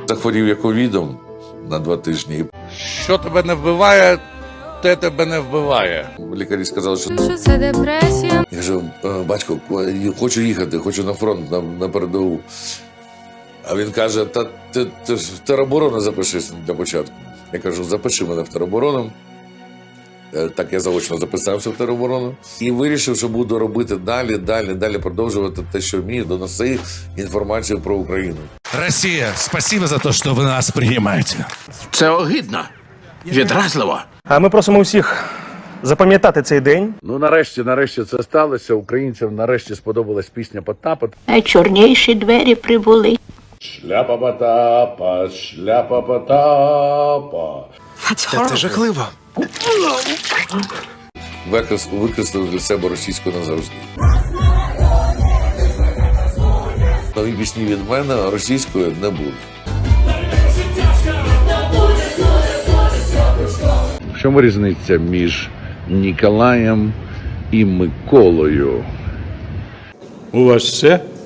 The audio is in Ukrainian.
Захворів я ковідом на 2 тижні. Що тебе не вбиває, те тебе не вбиває. Лікарі сказали, що це депресія. я кажу, батько, хочу їхати, хочу на фронт, на передову. А він каже, та ти в тероборону запишись для початку. Я кажу, запиши мене в тероборону. Так я заочно записався в тероборону. І вирішив, що буду робити далі продовжувати те, що вмію, доносити інформацію про Україну. Россия, спасибо за то, что вы нас принимаете. Це огидно. Відразливо. А ми просимо усіх запам'ятати цей день. Ну, нарешті це сталося. Українцям нарешті сподобалась пісня Потапа. Чорніші двері прибули. Шляпа Потапа, шляпа Потапа. Це жахливо. Викреслив для себе російську назавжди. Нові пісні від мене російською не буде. В чому різниця між Ніколаєм і Миколою? У вас все?